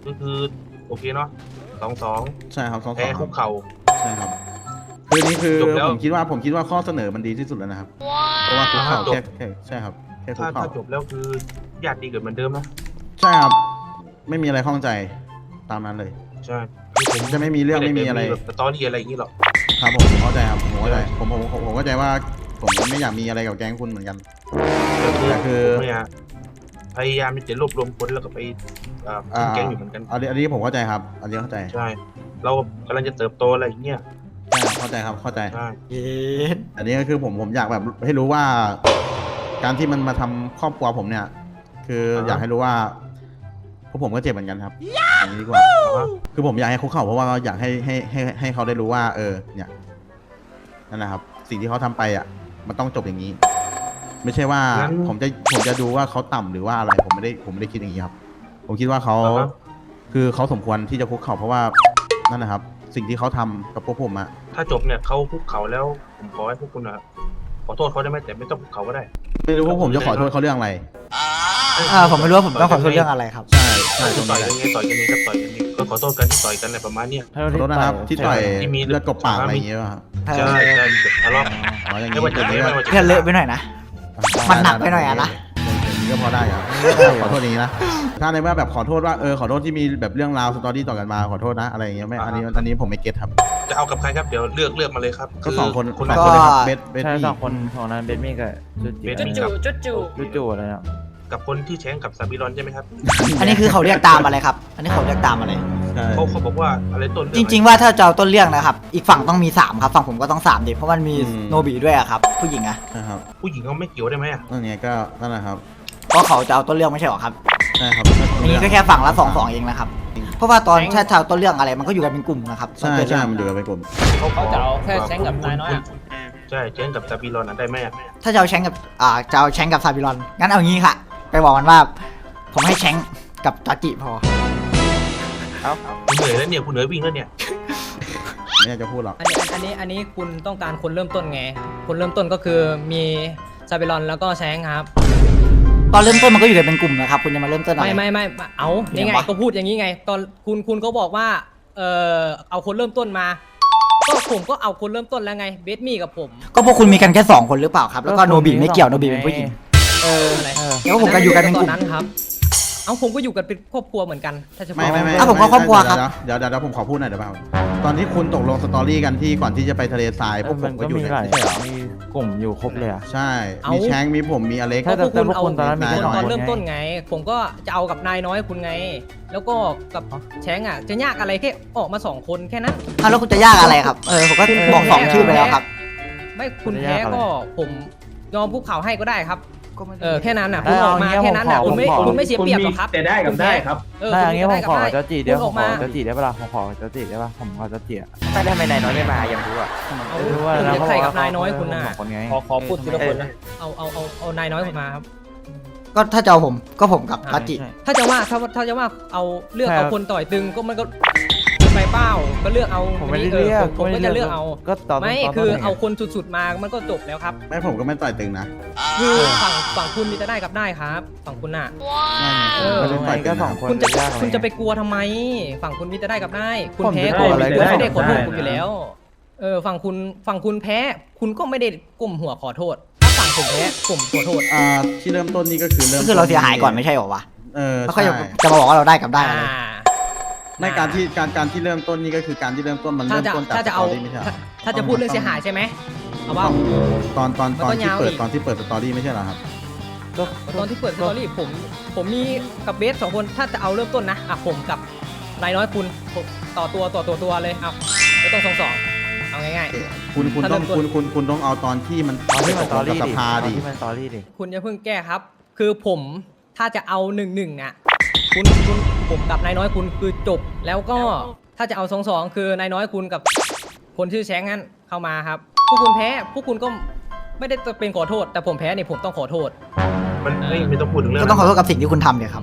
ก็คือโอเคเนาะ2-2 ใช่ครับ2-2 แพ้คุกเข่าใช่ครับคือนี่คือจบแล้วผมคิดว่าข้อเสนอมันดีที่สุดแล้วนะครับเพราะว่าคุกเข่าแค่ใช่ครับแค่คุกถ้าเข่าจบแล้วคือญาติดีเกิดเหมือนเดิมนะใช่ครับไม่มีอะไรข้องใจตามนั้นเลยใช่คือผมจะไม่มีเรื่องไม่มีอะไรแบบสตอรี่อะไรอย่างนี้หรอกครับผมเข้าใจครับผมเข้าใจผมเข้าใจว่าผมไม่อยากมีอะไรกับแก๊งคุณเหมือนกัน แต่คือผมเนี่ยพยายามจะรวบรวมคนแล้วก็ไปขึ้นแก๊งอยู่เหมือนกันอันนี้ผมเข้าใจครับอันนี้เข้าใจใช่ เรากำลังจะเติบโตอะไรอย่างเงี้ยใช่ครับเข้าใจครับเข้าใจใช่เย็ดอันนี้ก็คือผมอยากแบบให้รู้ว่า การที่มันมาทำครอบครัวผมเนี่ย คืออยากให้รู้ว่าพวกผมก็เจ็บเหมือนกันครับอย่างนี้ดีกว่าคือผมอยากให้คุกเข่าเพราะว่าอยากให้เขาได้รู้ว่า เนี่ยนั่นแหละครับ สิ่งที่เขาทำไปอ่ะ มันต้องจบอย่างนี้ ไม่ใช่ว่าผมจะดูว่าเขาต่ำหรือว่าอะไรผมไม่ได้คิดอย่างนี้ครับ ผมคิดว่าเขาคือเขาสมควรที่จะคุกเข่าเพราะว่านั่นนะครับ สิ่งที่เขาทำกับพวกผมอะถ้าจบเนี่ยเขาคุกเข่าแล้วผมขอให้พวกคุณนะขอโทษเขาได้ไหมแต่ไม่ต้องคุกเข่าก็ได้ไม่รู้ว่าผมจะขอโทษเขาเรื่องอะไรผมไม่รู้ว่าผมต้องขอโทษเรื่องอะไรครับใช่ใช่ตรงต่อนี้ยแหกัละนไงต่อยกันนี้ก็ต่อยกันนี้ก็ขอโทษกันที่ต่อยกันอะไรประมาณเนี้ยขอโทษนะครับที่ต่อยที่มีเลือดกบปากอะไรอย่างเงี้ยครับใช่ใช่มีแต่ทะเลาะอ๋ออย่างไม่นี้ว่าจะอย่างไม่นี้ว่าจะเพื่อนเลอะไปหน่อยนะ มันหนักไปหน่อยอะนะอย่างนี้ก็พอได้ครับขอโทษอย่างนี้นะถ้าในเมื่อแบบขอโทษว่าขอโทษที่มีแบบเรื่องราวสตอรี่ต่อกันมาขอโทษนะอะไรอย่างเงี้ยไม่อันนี้ผมไม่เก็ตครับจะเอากับใครครับเดี๋ยวเลือกมาเลยครับก็สองคนคุณสองก็คนเลยครับเบสใช่นี่สองคนของนั้นเบสมี่กับจุดจีเบสจุดอะไรนะกับคนที่แช้งกับซาบิรอนใช่ไหมครับอันนี้คือเขาเรียกตามอะไรครับ อันนี้เขาเรียกตามอะไรใช่เขาบอกว่าอะไรต้นจริง ๆ ว่าถ้าจะเอาต้นเรื่องนะครับ อีกฝั่งต้องมี3ครับ ฝั่งผมก็ต้อง3ดิเพราะมันมีโนบิด้วยอะครับ ผู้หญิงอะใช่ครับผู้หญิงเขาไม่เกี่ยวได้ไหมอ่ะนั่นไงก็นั่นแหละครับก็เขาจะเอาต้นเรื่องไม่ใช่หรอครับใช่ครับอันนี้ก็แค่ฝั่งละ2-2เองนะครับ เพราะว่าตอนถ้าจะเอาต้นเรื่องอะไรมันก็อยู่กันเป็นกลุ่มนะครับใช่ใช่มันอยู่กันเป็นกลุ่มเขาจะเอาแค่แช้งกับนายน้อยใช่แช้งกับซาบิรอนได้ไหมอ่ะถ้าจะเอาแชงกับจะเอาแชงกับซาบิรอนงั้นเอางี้ค่ะ ไปบอกมันว่า ผมให้แชงกับจอจิพอคุณเหนื่อยแล้วเนี่ยคุณเหนื่อยวิ่งแล้วเนี่ยไม่อยากจะพูดหรอกอันนี้คุณต้องการคนเริ่มต้นไง คนเริ่มต้นก็คือมีซาเบรอนแล้วก็แชงครับตอนเริ่มต้นมันก็อยู่กันเป็นกลุ่มนะครับ คุณจะมาเริ่มต้นอะไรไม่เอานี่ไงยังวะก็พูดอย่างนี้ไง ตอนคุณก็บอกว่าเอาคนเริ่มต้นมา ก็ผมก็เอาคนเริ่มต้นแล้วไงเบสมี่กับผมก็พวกคุณมีกันแค่2คนหรือเปล่าครับ แล้วก็โนบิไม่เกี่ยวโนบิเป็นผู้หญิงอะไรแล้วผมก็อยู่กันเป็นกลุ่มตอนนั้นครับ เอาผมก็อยู่กันเป็นครอบครัวเหมือนกันถ้าจะบอกไม่อ่ะผมก็ครอบครัวครับเดี๋ยวผมขอพูดหน่อยเดี๋ยวเปล่าตอนที่คุณตกลงสตอรี่กันที่ก่อนที่จะไปทะเลทรายพวกผมัมนก็ก็อยู่มีในหลายไม่ใช่เหรอมีกลุ่มอยู่ครบเลยอะใช่ มีแชงมีผมมีอเล็กถ้าพวกคุณเอาตอนนั้นมีนายน้อยตอนเริ่มต้นไง ผมก็จะเอากับนายน้อยคุณไง แล้วก็กับแชงอ่ะจะยากอะไรแค่ออกมา2คนแค่นั้นแล้วคุณจะยากอะไรครับ ผมก็บอก2ชื่อไปแล้วครับไม่คุณแพ้ก็ผมยอมภูเขาให้ก็ได้ครับก็ไม่แค่นั้นน่ะคุณออกมาแค่นั้นน่ะคุณไม่เสียเปรียบหรอกครับแต่ได้กับได้ครับถ้าอย่างเงี้ยผมขอได้จอจีเดี๋ยวคุณผออมกขมาอจอจีได้ปะล่ะผมขอจอจีได้ปะผมขอจอจีอะแต่ทำไมนายน้อยไม่มายังรู้อ่ะเอาไม่รู้ว่าคุณนะจะเพราะใครว่ากับนายน้อยคุณน่ะสองคนไงขอพูดทีละคนนะเอานายน้อยคุณมาครับก็ถ้าจะเอาผมก็ผมกับกัจจิถ้าจะว่าเอาเลือกเอาคนต่อยตึงก็มันก็ไปเป้าก็เลือกเอาผมไม่ได้เลือกผมก็จะเลือกเอาก็ตอนไม่ตนคือต้นไงเอาคนสุดๆมามันก็จบแล้วครับไม่ผมก็ไม่ต่อยตึงนะคือฝั่งคุณมีแต่ได้กับได้ครับฝั่งคุณน่ะไม่ได้ต่อยตึก็งสองนะคนคุณจะยากอะไรคุณจะไปกลัวทำไม ฝั่งคุณมีแต่ได้กับได้ คุณผมแพ้จะก็กลัวอะไรคุณไม่ได้ได้ขอโทษได้คุณอยู่แล้ว ฝั่งคุณแพ้ คุณก็ไม่ได้ก้มหัวขอโทษ ถ้าฝั่งผมแพ้ผมขอโทษที่เริ่มต้นนี่ก็คือเริ่มก็คือเราเสียหายก่อนไม่ใช่หรอวะ แล้วก็ใช่จะมาบอกว่าเราได้กับได้อะไรในการที่เริ่มต้นนี่ก็คือการที่เริ่มต้นมันถ้าเริ่มจะต้นจากถ้าสจะตเอาอรี่ไม่ใช่เหรอถ้าจะพูดเรื่องเสียหายใช่ไหมเอาว่าตอนมันก็ที่ยาวเปิดอีกตอนที่เปิดสตอรี่ไม่ใช่เหรอครับก็ตอนที่เปิดสตอรี่ผมมีกับเบส2คนถ้าจะเอาเริ่มต้นนะผมกับนายน้อยคุณต่อตัวเลยเอาไม่ต้องสองเอาง่ายคุณถ้าต้องเริ่มต้นคุณต้องเอาตอนที่มันตอนที่มันตอกับรี่สดิภาตอนดิที่มันตอรี่ดิๆคุณอย่าเพิ่งแก้ครับ คือผมถ้าจะเอา1-1อ่ะคุณผมกับนายน้อยคุณคือจบแล้วก็ถ้าจะเอา2-2คือนายน้อยคุณกับคนชื่อแชงนั้นเข้ามาครับพวกคุณแพ้พวกคุณก็ไม่ได้เป็นขอโทษ แต่ผมแพ้เนี่ยผมต้องขอโทษมันไม่ต้องพูดถึงเรื่องก็ต้องขอโทษกับสิ่งที่คุณทำเนี่ยครับ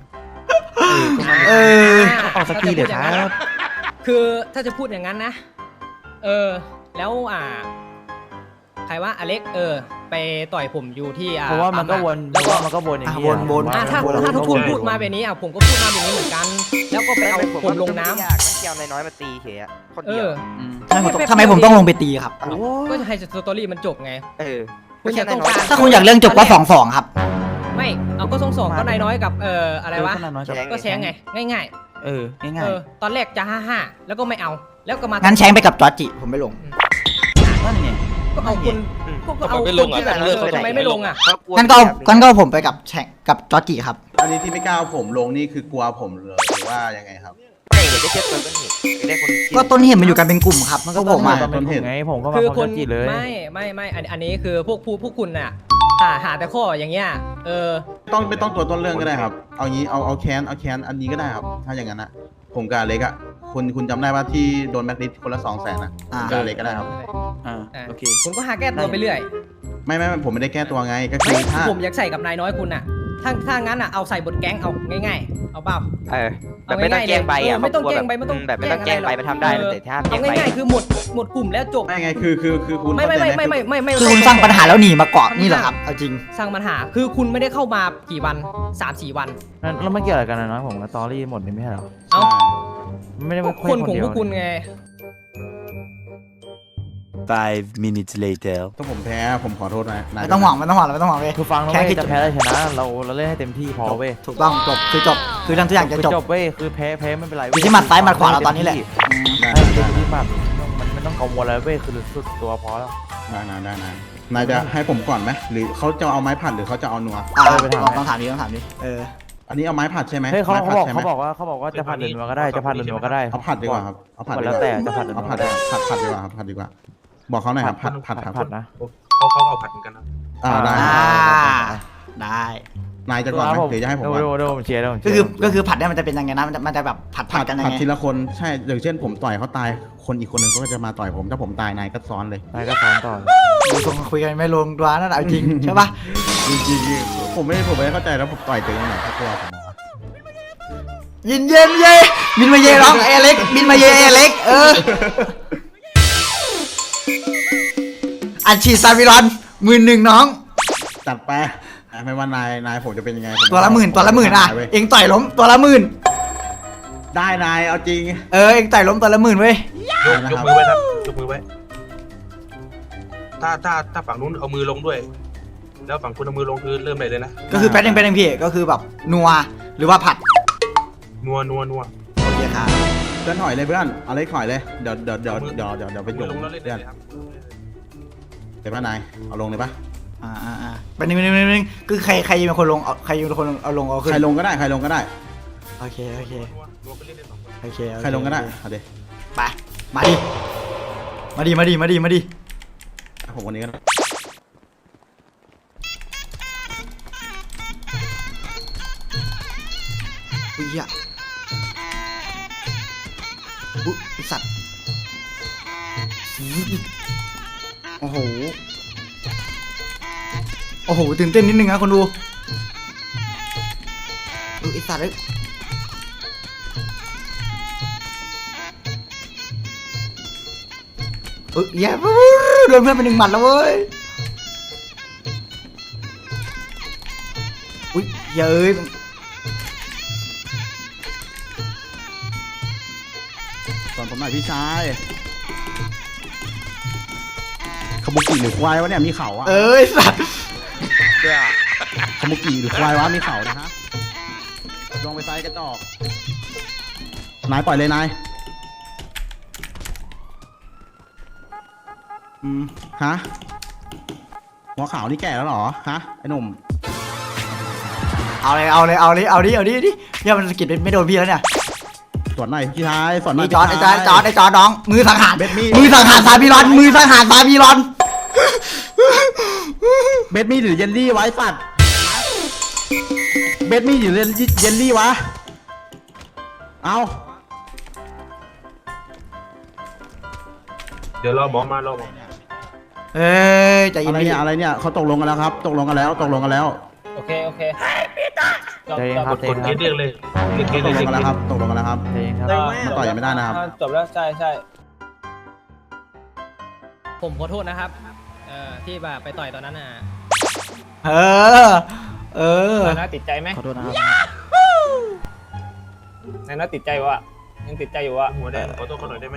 ออกสกีเดี๋ยวครับคือถ้าจะพูดอย่างนั้นนะแล้วใครว่าอเล็กไปต่อยผมอยู่ที่เพราะว่ามันก็วนแล้วก็มันก็วนอย่างนี้วนถ้าทุกคนพูดมาแบบนี้ผมก็พูดมาแบบนี้เหมือนกัน แล้วก็ไปเอาผมลงน้ำยากนะเกี่ยวนายน้อยมาตีเฉยคนเอเดียวอทำไมผมต้องลงไปตีครับก็จะให้สตอรี่มันจบไง คุณจะต้องการถ้าคุณอยากเรื่องจบก็2-2ครับไม่เอาก็สองก็นายน้อยกับอะไรวะขนาดน้อยจะก็แชงไงง่ายง่ายตอนแรกจะ5-5แล้วก็ไม่เอาแล้วก็มางั้นแชงไปกับจอร์จิผมไม่ลงๆนั่นไงก็เอาคุณก็เอาคนที่แบบทำไมไม่ลงอ่ะงั้นก็ผมไปกับแชงกับจอร์จิครับอันนี้ที่ไม่กล้าเอาผมลงนี่คือกลัวผมเลยหรือว่ายังไงครับไม่เดี๋ยวได้เช็ดต้นเหตุได้คนก็ต้นเหตุมันอยู่กันเป็นกลุ่มครับมันก็ผมมาต้นเหตุไงผมก็มาคือพร้อมคนจะจีเลยไม่อันนี้คือพวกคุณน่ะหาแต่ข้ออย่างเงี้ยไม่ต้องตัวต้นเรื่องก็ได้ครับ เอางี้เอาแคนอันนี้ก็ได้ครับ ถ้าอย่างนั้นนะผมกับอเล็กอะคุณจำได้ว่าที่โดนแม็กลิสคนละ200,000นะอ่ากับอเล็กก็ได้ครับโอเคคุณก็หาแก้ตัวไปเรื่อยไม่ผมไม่ได้แก้ตัวไงก็คืไม่อถ้าผมอยากใส่กับนายน้อยคุณน่ะถ้างั้นอ่ะเอาใส่บทแก๊งเอาง่ายๆเอาเปล่าแบบไม่ต้องแกล้งใบอ่ะไม่ต้องแกล้งใบไม่ต้องแบบไม่ต้องแกล้งใบมันทำได้แต่ถ้าแกล้เอางใบง่ายๆคือหมดกลุ่มแล้วจบไม่ไงคือคุณไม่เข้าใจหไม่คือคุณสร้างปัญหาแล้วหนีมาเกาะนี่เหรอครับเอาจริงสร้างปัญหาคือคุณไม่ได้เข้ามากี่วัน 3-4 วันแล้วมันเกี่ยวอะไรกันนะน้อยผมกับตอรี่หมดนี่ไม่ใช่เหรอเอ้าไม่ได้พมาวกคุยคนของเดียพววกคุณไง 5 minutes later ถ้าผมแพ้ผมขอโทษนะนายไม่ต้องหวังไม่ต้องหวังไม่ต้องหวังเว้ยคือฟังนะแค่เว้ยคิดจะแพ้ได้ชนะเราเล่นให้เต็มที่พอเว้ยถูกต้องจบคือทำทุกอย่างจะคือจบจบเว้ยคือแพ้ไม่เป็นไรอยู่ที่หมัดซ้ายหมัดขวาเราตอนนี้แหละให้เต็มที่มากมันไม่ต้องกังวลอะไรเว้ยคือสุดตัวพอแล้วได้นายจะให้ผมก่อนไหมหรือเขาจะเอาไม้ผัดหรือเขาจะเอานัวไปถามต้องถามดิอันนี้เอาไม้ผัดใช่ไหมเฮ้ยเขาไม้บผัอกดใช่ไหมเขาบอกว่าจะผัดหรือนัวก็ได้จะผัดหรือนัวก็ได้เอาผัดดีกว่าครับเอาผัดดีกแล้วว่าแต่จะผัดหรือเอานัวผัก็ดได้ผัดดีกว่าครับผัดดีกว่า บอกเขาหน่อยครับผัดครับผัดนะเขาเอาผัดเหมือนกันนะได้ได้นายจะก่อนไหมหรือจะให้ผมก่อนดูผมเชียร์ก็คือผัดเนี่ยมันจะเป็นยังไงนะมันจะแบบผัดกันยังผัดไงทีละคนใช่อย่างเช่นผมต่อยเขาตายคนอีกคนหนึ่งเขาก็จะมาต่อยผมถ้าผมตายนายก็ซ้อนเลยนายก็ซ้อนต่อดูทรงคุยกันไม่ลงตัวนั่นเอาจริงใช่ปะจริงๆผมไม่เข้าใจแล้วผมต่อยตัวเองไหนเขากลัวผมเหรอเย็นเย่บินมาเย่ร้องเอเล็กบินมาเย่เอเล็กอัดฉีดซาบิรอน11,000น้องจัดไปไม่ว่านายผมจะเป็นยังไงตัวละหมื่นอ่ะเองต่อยล้มตัวละ10,000 ได้นายเอาจริงเองต่อยล้มตัวละ10,000เว้ยยกมือไว้ครับยกมือไว้ ถ้าฝั่งนู้นเอามือลงด้วย แล้วฝั่งคุณเอามือลงคือเริ่มเลยนะก็คือแป๊ดเองพี่ก็คือแบบนัวหรือว่าผัดนัวโอเคครับเพื่อนถอยเลยเพื่อนเอาเลยถอยเลยเดี๋ยวไปมืจุ่อมลงแล้วเล่นเพื่อนเลยครับเดี๋ยวป่ะนายเอาลงเลยป่ะเป็นหนึ่งคือใครเป็นคนลงใครเป็นคนเอาลงเอาขึ้นใครลงก็ได้โอเคนัวไปเล่นได้สองคนโอเคใครลงก็ได้เอาดิไปมาดิผมคนนี้ก็ได้อุ้ยสัตว์โอ้โหตื่นเต้นนิดนึงนะคนดูไอสัตว์แย่โดนเพื่อนไป1 หมัดแล้วเว้ยอุ้ยเย้ยสอนผมหน่อยพี่ชายขมุกิหรือควายวะเนี่ยมีเขาอะสัตว์ขมุกิหรือควายวะมีเขานะฮะลงไปไซส์กระจอกนายปล่อยเลยนายฮะหัวขาวนี่แก่แล้วเหรอฮะไอ้หนุ่มเอาดิเนี่ยมันสกิดไม่โดนพี่แล้วเนี่ยสอนหน่อยพี่ชายสอนหน่อยนี่จอดน้องมือสังหารเบ็ดมีดมือสังหารซาบิรอนมือสังหารซาบิรอนเบ็ดมีดหรือเยลลี่ไว้สัตว์เบ็ดมีดหรือเยลลี่วะเอาเดี๋ยวรอหมอมารอหมอใจเย็นอะไรเนี่ยเขาตกลงกันแล้วครับตกลงกันแล้วโอเคใจเย็นครับกดเคสเรียกเลยเรียกเคสตเลยกลงกันแล้วครับตกลงกันแล้วครับใจเย็นครับมาต่อยยังไม่ได้นะครับจบแล้วใช่ผมขอโทษนะครับที่แบบไปต่อยตอนนั้นน่ะเออน่าติดใจไหมขอโทษนะครับนายน้อยติดใจวะยังติดใจอยู่วะหัวแดงขอโทษเขาหน่อยได้ไหม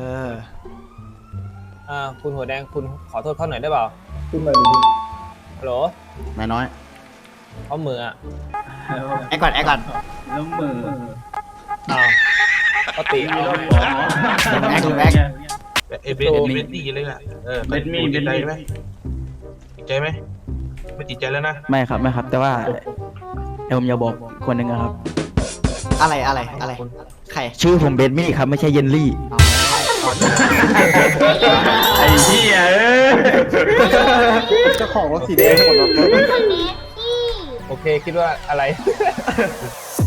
คุณหัวแดงคุณขอโทษเขาหน่อยได้เปล่าฮัลโหลนายน้อยเขามืออ่ะแอคก่อนแอคก่อนอ้าวปกติเอาแอคแอคเอเบนตี้เลยอ่ะเบนมี่ติดใจไหมติดใจไหมไม่ติดใจแล้วนะไม่ครับไม่ครับ แต่ว่าผมอยากบอกคนหนึ่งนะครับอะไรใครชื่อผมเบนมี่ครับไม่ใช่เยนลี่ไอ้เหี้ยเจ้าของรถสีแดงคนรถโอเคคิดว่าอะไร